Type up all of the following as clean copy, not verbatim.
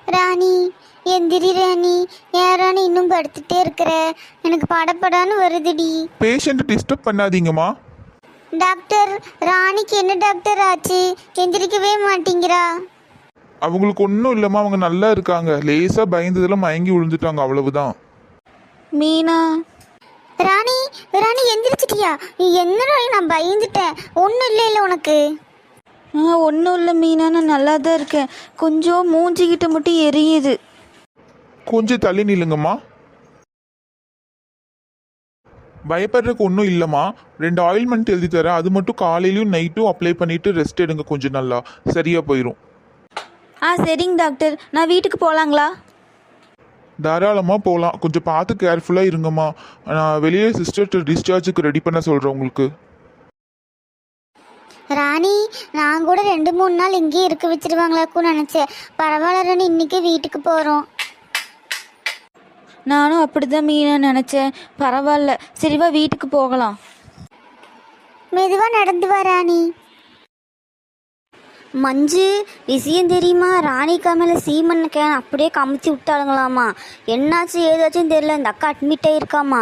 ராணி, எந்திரி ராணி. ஏன் ராணி இன்னும் படுத்துட்டே இருக்கிற? எனக்கு படப்படான்னு வருதுடி. பேஷண்ட் டிஸ்டர்ப் பண்ணாதீங்கம்மா. டாக்டர், ராணிக்கு என்ன டாக்டர் ஆச்சு? எந்திரிக்கவே மாட்டேங்கிறா. அவங்களுக்கு ஒன்றும் இல்லைம்மா, அவங்க நல்லா இருக்காங்க. லேசாக பயந்ததில் மயங்கி விழுந்துட்டாங்க, அவ்வளவுதான். மீனா, ராணி, ராணி எந்திரிச்சிட்டியா? என்ன ராணி, நான் பயந்துட்டேன். ஒன்றும் இல்லை உனக்கு? ஒன்றும் இல்லை மீனா, நான் நல்லா தான் இருக்கேன். கொஞ்சம் மூஞ்சிக்கிட்ட மட்டும் எரியுது. கொஞ்சம் தள்ளி நில்லுங்கம்மா. பயப்படுறதுக்கு ஒன்றும் இல்லைம்மா. 2 ஆயில்மெண்ட் எழுதி தரேன், அது மட்டும் காலையிலையும் நைட்டும் அப்ளை பண்ணிட்டு ரெஸ்ட் எடுங்க. கொஞ்சம் நல்லா சரியா போயிடும். சரிங்க டாக்டர், நான் வீட்டுக்கு போகலாங்களா? தாராளமாக போகலாம். கொஞ்சம் பார்த்து கேர்ஃபுல்லாக இருங்கம்மா. நான் வெளியே சிஸ்டர் டிஸ்சார்ஜுக்கு ரெடி பண்ண சொல்கிறேன் உங்களுக்கு. ராணி, நான் கூட 2-3 நாள் இங்கேயே இருக்க வச்சிருவாங்களாக்குன்னு நினச்சேன். பரவாயில்ல ராணி, இன்னைக்கு வீட்டுக்கு போகிறோம். நானும் அப்படிதான் மீனா நினச்சேன். பரவாயில்ல, சரிவா வீட்டுக்கு போகலாம். மெதுவாக நடந்து வா ராணி. மஞ்சு, விஷயம் தெரியுமா? ராணிக்கா மேலே சீமண்ண கேன் அப்படியே கமிச்சு விட்டாளுங்களாமா. என்னாச்சு ஏதாச்சும் தெரியல, இந்த அக்கா அட்மிட் ஆயிருக்காமா.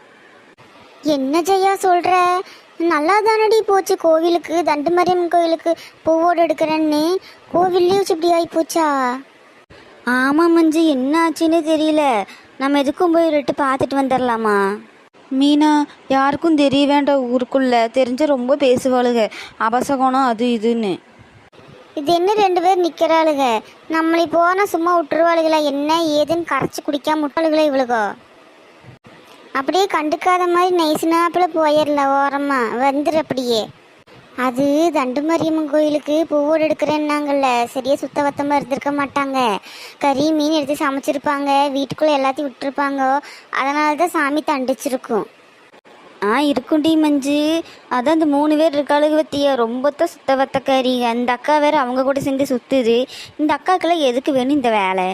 என்ன ஜெயா சொல்கிற? நல்லா தானடி போச்சு. கோவிலுக்கு, தண்டுமாரியம்மன் கோவிலுக்கு பூவோடு எடுக்கிறேன்னு கோவில்லே வச்சு இப்படி ஆகி போச்சா? ஆமாம் மஞ்சு, என்ன ஆச்சுன்னே தெரியல. நம்ம எதுக்கும் போய் ரெட்டு பார்த்துட்டு வந்துடலாமா? மீனா, யாருக்கும் தெரிய வேண்டாம். ஊருக்குள்ள தெரிஞ்ச ரொம்ப பேசுவாளுங்க, அபசகனம் அது இதுன்னு. இது என்ன 2 பேர் நிற்கிறாளுங்க? நம்மளை போனால் சும்மா விட்டுருவாளுகளா? என்ன ஏதுன்னு கரைச்சி குடிக்காம விட்டாளுகளா இவளுகோ? அப்படியே கண்டுக்காத மாதிரி நைசுனாப்பில் போயிடலாம். ஓரமாக வந்துடு அப்படியே. அது தண்டுமாரியம்மன் கோயிலுக்கு பூவோடு எடுக்கிறேன்னாங்கல்ல, சரியாக சுத்தபத்தமாக இருந்திருக்க மாட்டாங்க. கறி மீன் எடுத்து சமைச்சிருப்பாங்க, வீட்டுக்குள்ளே எல்லாத்தையும் விட்டுருப்பாங்க. அதனால தான் சாமி தண்டிச்சிருக்கும். இருக்குண்டி மஞ்சு. அதான் அந்த 3 பேர் இருக்காளுக பத்தியா, ரொம்ப தான் சுத்தவத்தக்காரி. அந்த அக்கா வேற அவங்க கூட சேர்ந்து சுத்துது. இந்த அக்காக்கெல்லாம் எதுக்கு வேணும் இந்த வேலை?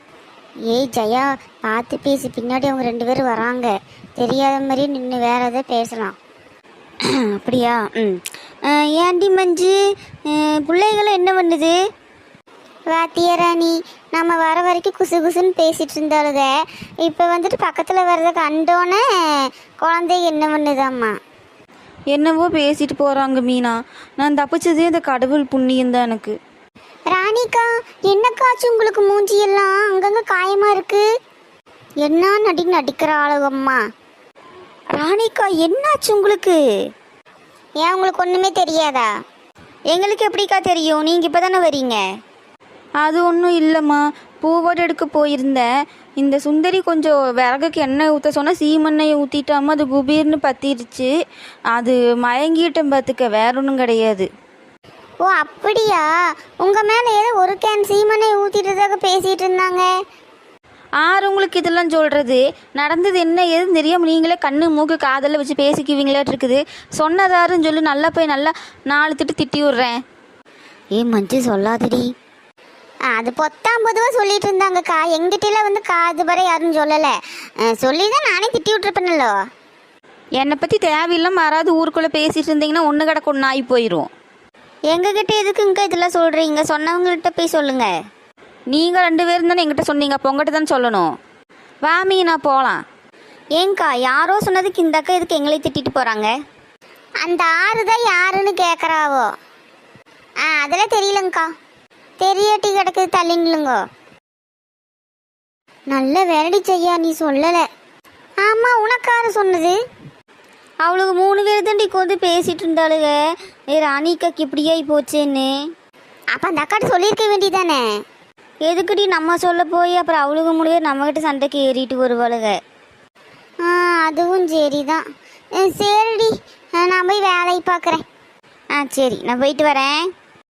ஏய் ஜெயா, பார்த்து பேசி. பின்னாடி அவங்க 2 பேரும் வராங்க. தெரியாத மாதிரியே நின்று வேற எதாவது பேசலாம். அப்படியா? ஏண்டி மஞ்சு, பிள்ளைகளும் என்ன பண்ணுது? வாத்தியா ராணி, நம்ம வர வரைக்கும் குசு குசுன்னு பேசிட்டு இருந்தாளுங்க. இப்போ வந்துட்டு பக்கத்தில் வர்றத கண்டோன்னே குழந்தை என்ன பண்ணுதாம்மா? என்னவோ பேசிட்டு போகிறாங்க மீனா. நான் தப்பிச்சதே இந்த கடவுள் புண்ணியம் தான் எனக்கு. ராணிக்கா, என்னக்காச்சு உங்களுக்கு? மூஞ்சியெல்லாம் அங்கங்கே காயமாக இருக்கு. என்ன நடிக்கிற ஆளுகம்மா? ராணிக்கா, என்னாச்சு உங்களுக்கு? ஏன் உங்களுக்கு ஒன்றுமே தெரியாதா? எங்களுக்கு எப்படிக்கா தெரியும்? நீங்கள் இப்போ தானே வரீங்க. அது ஒன்றும் இல்லைம்மா, பூவோடு எடுக்க போயிருந்தேன். இந்த சுந்தரி கொஞ்சம் விறகுக்கு எண்ணெய் ஊற்ற சொன்னால் சீமெண்ணெயை ஊற்றிட்டாமல் அது குபீர்னு பற்றிருச்சு. அது மயங்கிட்டேன் பார்த்துக்க, வேற ஒன்றும் கிடையாது. ஓ அப்படியா? உங்கள் மேலே ஏதோ ஒரு கேன் சீமெண்ணெய் ஊற்றிட்டதாக பேசிகிட்டு இருந்தாங்க. உங்களுக்கு இதெல்லாம் சொல்கிறது? நடந்தது என்ன ஏதுன்னு தெரியாமல் நீங்களே கண்ணு மூக்கு காதலில் வச்சு பேசிக்குவீங்களாட்டு இருக்குது. சொன்னதாருன்னு சொல்லி நல்லா போய் நல்லா 4 திட்டி விட்றேன். மஞ்சு சொல்லாதடி. அது பொத்தாம்பதுவாக சொல்லிட்டு இருந்தாங்கக்கா. எங்கிட்டலாம் வந்து காது வரை யாரும் சொல்லலை. சொல்லி தான் நானே திட்டி விட்டுருப்பேனல்லோ. என்னை பற்றி தேவையில்லாம யாராவது ஊருக்குள்ளே பேசிகிட்டு இருந்தீங்கன்னா ஒன்று கிடக்கு ஒன்று ஆகி போயிடும். எங்ககிட்ட எதுக்குங்க இதெல்லாம் சொல்கிறீங்க? சொன்னவங்கள்ட்ட போய் சொல்லுங்கள். நீங்கள் 2 பேரும் தானே என்கிட்ட சொன்னீங்க, அப்போ உங்கள்கிட்ட தானே சொல்லணும். வாமி, நான் போகலாம். ஏங்கா, யாரோ சொன்னதுக்கு இந்த அக்கா எதுக்கு எங்களை திட்டிட்டு போகிறாங்க? அந்த ஆறு தான் யாருன்னு கேட்குறாவோ. அதெல்லாம் தெரியலங்கக்கா. தெரியாட்டி கிடக்குது, தள்ளிங்களுங்கோ. நல்ல வேலடி செய்யா, நீ சொல்லலை. ஆமாம், உனக்காரு சொன்னது? அவளுக்கு 3 பேர் தாண்டி வந்து பேசிகிட்டு இருந்தாளுங்க. ராணிக்காக்கு இப்படியாகி போச்சேன்னு. அப்போ அந்த அக்காட்ட சொல்லியிருக்க வேண்டியதானே? எதுக்குடி நம்ம சொல்ல போய் அப்புறம் அவளுக்கு முடியாது நம்மகிட்ட சண்டைக்கு ஏறிட்டு வருவாளுங்க. அதுவும் சரி தான். சரிடி, நான் போய் வேலையை பார்க்குறேன். சரி, நான் போயிட்டு வரேன்.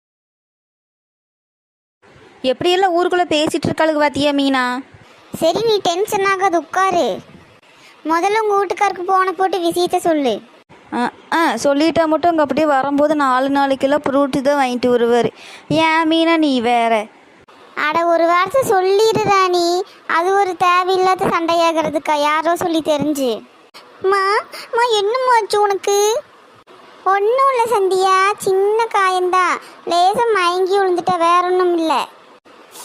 எப்படியெல்லாம் ஊருக்குள்ளே பேசிகிட்டு இருக்காளுங்க பார்த்தியா மீனா? சரி, நீ டென்ஷன் ஆகாது, உட்காரு. முதல்ல உங்கள் வீட்டுக்காருக்கு போன போட்டு விஷயத்த சொல்லு. சொல்லிட்டா மட்டும் அங்கே அப்படியே வரும்போது 4 கிலோ ஃப்ரூட்டு தான் வாங்கிட்டு வருவார். ஏன் மீனா நீ வேற? அட, ஒரு வார்த்தை சொல்லிடு ராணி. அது ஒரு தேவையில்லாத சண்டையாகிறதுக்கா? யாரோ சொல்லி தெரிஞ்சு. மா என்னமாச்சு உனக்கு? ஒன்றும் இல்லை சந்தியா, சின்ன காயந்தான். லேசாக மயங்கி விழுந்துட்ட, வேற ஒன்றும் இல்லை.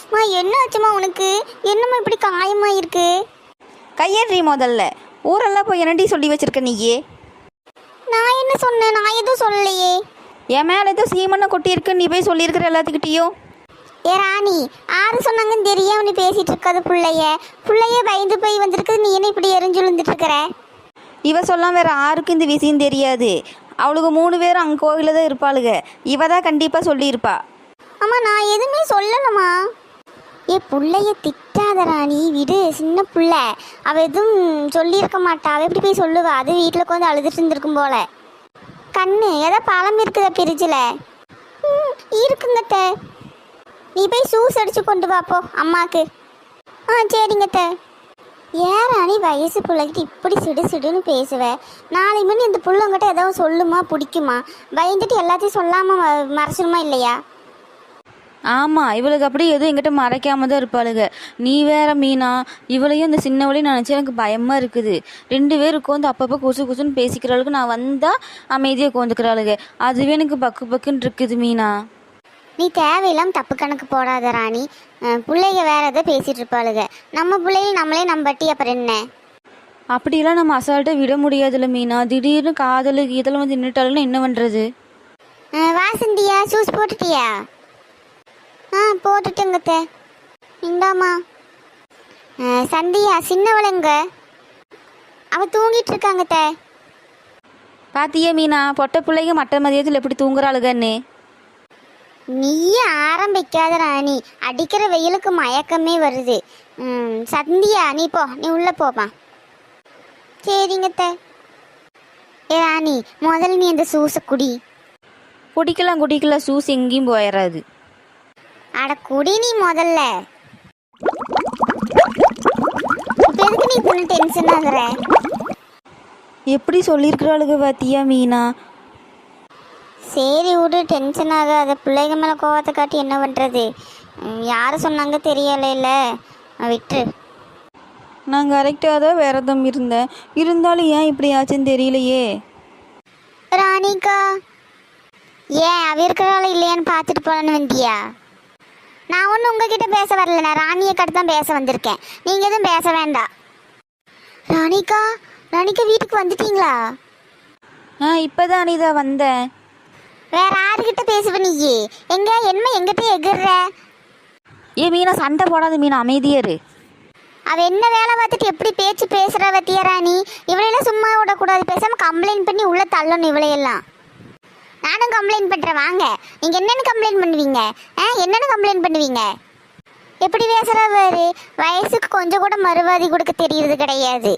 மா என்ன ஆச்சுமா உனக்கு? என்னம்மா இப்படி காயமா இருக்கு? கையேறி முதல்ல. ஊரெல்லாம் போய் என்னடி சொல்லி வச்சிருக்க நீயே? நான் என்ன சொன்னேன்? நான் எதுவும் சொல்லலையே. என் மேலே ஏதோ சீமண்ணை கொட்டியிருக்கு, நீ போய் சொல்லியிருக்கிற எல்லாத்துக்கிட்டேயும். ஏ ராணி, ஆறு சொன்னாங்கன்னு தெரியாம நீ பேசிட்டு இருக்காது புள்ளைய பயந்து போய் வந்திருக்குது. நீ என்ன இப்படி எரிஞ்சு விழுந்துட்டு இருக்கிற? இவ சொல்லாம் வேற யாருக்கும் இந்த விஷயம் தெரியாது. அவளுக்கு 3 பேரும் அங்கே கோவிலில் தான் இருப்பாளுங்க. இவ தான் கண்டிப்பாக சொல்லியிருப்பா. அம்மா நான் எதுவுமே சொல்லலம்மா. ஏ புள்ளைய திட்டாத ராணி, விடு, சின்ன புள்ள. அவ எதுவும் சொல்லியிருக்க மாட்டா. அவ எப்படி போய் சொல்லுவா? அது வீட்டில் உட்காந்து அழுதுட்டு இருந்திருக்கும் போல. கண்ணு ஏதோ பழம் இருக்குதா பிரிட்ஜில்? இருக்குங்கத்த. நீ போய் ஜூஸ் அடிச்சு கொண்டு வாப்போ அம்மாக்கு. சரிங்கத்த. ஏன் ராணி வயசு பிள்ளைகிட்ட இப்படி சிடு சிடுன்னு பேசுவேன்? நாளை மணி இந்த பிள்ளைங்கிட்ட ஏதாவது சொல்லுமா பிடிக்குமா? பயந்துட்டு எல்லாத்தையும் சொல்லாமல் மறைச்சிருமா இல்லையா? ஆமாம், இவளுக்கு அப்படி எதுவும் எங்கிட்ட மறைக்காம தான் இருப்பாளுங்க. நீ வேற மீனா, இவளையும் இந்த சின்னவளையும் நினச்சி எனக்கு பயமாக இருக்குது. 2 பேர் உட்காந்து அப்பப்போ குசு குசுன்னு பேசிக்கிறாளுக்கு. நான் வந்தால் அமைதியாக உட்காந்துக்கிறாளுங்க. அதுவே எனக்கு பக்கு பக்குன்னு இருக்குது மீனா. நீ தேவையில்லாமல் தப்பு கணக்கு போடாத ராணி. பிள்ளைங்க வேற எதோ பேசிகிட்டு இருப்பாளுங்க. நம்ம பிள்ளைங்க நம்மளே நம்பட்டி அப்புறம் என்ன? அப்படியெல்லாம் நம்ம அசால்ட்டாக விட முடியாதுல்ல மீனா. திடீர்னு காதலுக்கு இதில் வந்து நின்றுட்டாலுன்னா என்ன பண்ணுறது? வாசந்தியா, ஜூஸ் போட்டுட்டியா? போட்டுட்டுங்கத்த. இந்தாம்மா. சந்தியா சின்னவளைங்க, அவள் தூங்கிட்டு இருக்காங்கத்த. பாத்தியே மீனா, பொட்டை பிள்ளைங்க மற்ற மதியத்தில் எப்படி தூங்குறாளுகன்னு. நீயே ஆரம்பிக்காத ராணி. அடிக்கிற வெயிலுக்கு மயக்கமே வருது. சந்தியா நீ போ, நீ உள்ள போப்பா. சரிங்கத்த. ஏ ராணி, முதல்ல நீ அந்த ஜூஸை குடி. குடிக்கலாம் ஜூஸ் எங்கேயும் போயிடாது. அட குடி நீ முதல்ல. எதுக்கு நீ இப்ப டென்ஷன் ஆகுற? எப்படி சொல்லியிருக்கிறாளுக பாத்தியா மீனா. சரி விடு, டென்ஷன் ஆகாத. பிள்ளைங்க மேலே கோவத்தை காட்டி என்ன பண்ணுறது? யார் சொன்னாங்க தெரியல, விட்டு. நான் கரெக்டாக தான் விரதம் இருந்தேன். இருந்தாலும் ஏன் இப்படி ஆச்சுன்னு தெரியலையே. ராணிக்கா, ஏன் அவ இருக்கிறாள் இல்லையான்னு பார்த்துட்டு போகலான்னு வந்தியா? நான் ஒன்றும் உங்ககிட்ட பேச வரல. நான் ராணியை கட்டு தான் பேச வந்திருக்கேன். நீங்கள் எதுவும் பேச வேண்டாம். ராணிக்கா வீட்டுக்கு வந்துட்டீங்களா? இப்போதான் அனிதா வந்தேன். வேற யாருக்கிட்ட பேசுவ நீ? என்ன எங்கிட்ட எகிர்ற? ஏ மீனா, சண்டை போடாத மீனா, அமைதியாரு. அவ என்ன வேலை பார்த்துட்டு எப்படி பேச்சு பேசுற வத்தியா ராணி? இவளையெல்லாம் சும்மா விடக்கூடாது. பேசாம கம்ப்ளைண்ட் பண்ணி உள்ள தள்ளணும் இவளையெல்லாம். நானும் கம்ப்ளைண்ட் பண்ணுறேன், வாங்க. நீங்கள் என்னென்னு கம்ப்ளைண்ட் பண்ணுவீங்க? என்னென்னு கம்ப்ளைண்ட் பண்ணுவீங்க? எப்படி பேசுகிறா பாரு. வயசுக்கு கொஞ்சம் கூட மறுவாதி கொடுக்க தெரியறது கிடையாது.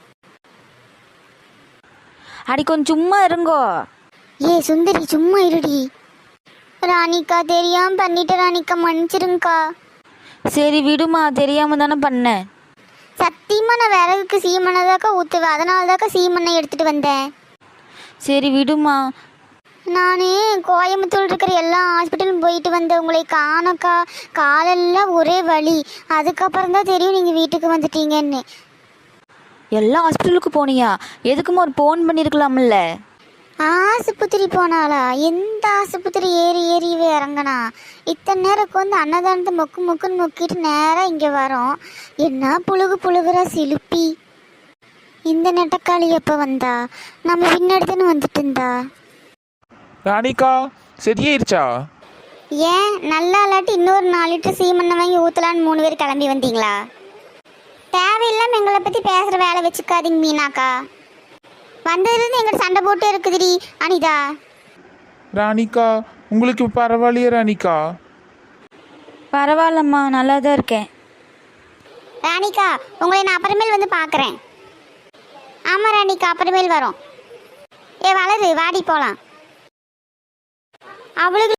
அடி கொஞ்சம் சும்மா இருங்கோ. ஏ சுந்தரி, சும்மா இருடி. ராணிக்கா தெரியாமல் பண்ணிட்டு ராணிக்கா, மன்னிச்சிருங்கக்கா. சரி விடுமா, தெரியாம தானே பண்ணேன். சத்தியமாக நான் விறகுக்கு சீமனை தாக்கா ஊற்றுவேன். அதனால தாக்கா சீமனை எடுத்துகிட்டு வந்தேன். சரி விடுமா. நான் கோயம்புத்தூர் இருக்கிற எல்லா ஹாஸ்பிட்டலும் போயிட்டு வந்தேன். உங்களை காணக்கா. காலெல்லாம் ஒரே வலி. அதுக்கப்புறம் தான் தெரியும் நீங்கள் வீட்டுக்கு வந்துட்டீங்கன்னு. எல்லா ஹாஸ்பிட்டலுக்கு போனியா? எதுக்குமா ஒரு ஃபோன் பண்ணியிருக்கலாம்ல. ஆஸ்பத்திரி போனாளா? எந்த ஆஸ்பத்திரி ஏறி இறங்கினா? இத்தனை நேரம் வந்து அன்னதானத்தை மொக்குன்னு மொக்கிட்டு நேராக இங்கே வரோம். என்ன புழுகுறா சிலுப்பி. இந்த நெட்டக்காளி எப்போ வந்தா? நம்ம பின்னாடி வந்துட்டு இருந்தா. ராணிக்கா சரியாயிருச்சா? ஏன் நல்லா இல்லாட்டி இன்னொரு 4 லிட்டர் சீமெண்ணெய் வாங்கி ஊற்றலான்னு 3 பேர் கிளம்பி வந்தீங்களா? தேவையில்லாமல் எங்களை பற்றி பேசுகிற வேலை வச்சுக்காதீங்க மீனாக்கா. வந்ததுலேருந்து எங்கிட்ட சண்டை போட்டு இருக்குதுடி அனிதா. ராணிக்கா உங்களுக்கு பரவாயில்லையா ராணிக்கா? பரவாயில்லம்மா, நல்லா தான் இருக்கேன். ராணிக்கா, உங்களை நான் அப்புறமேல் வந்து பார்க்குறேன். ஆமாம் ராணிக்கா, அப்புறமேல் வரோம். வளரு, வாடி போகலாம். அவளுக்கு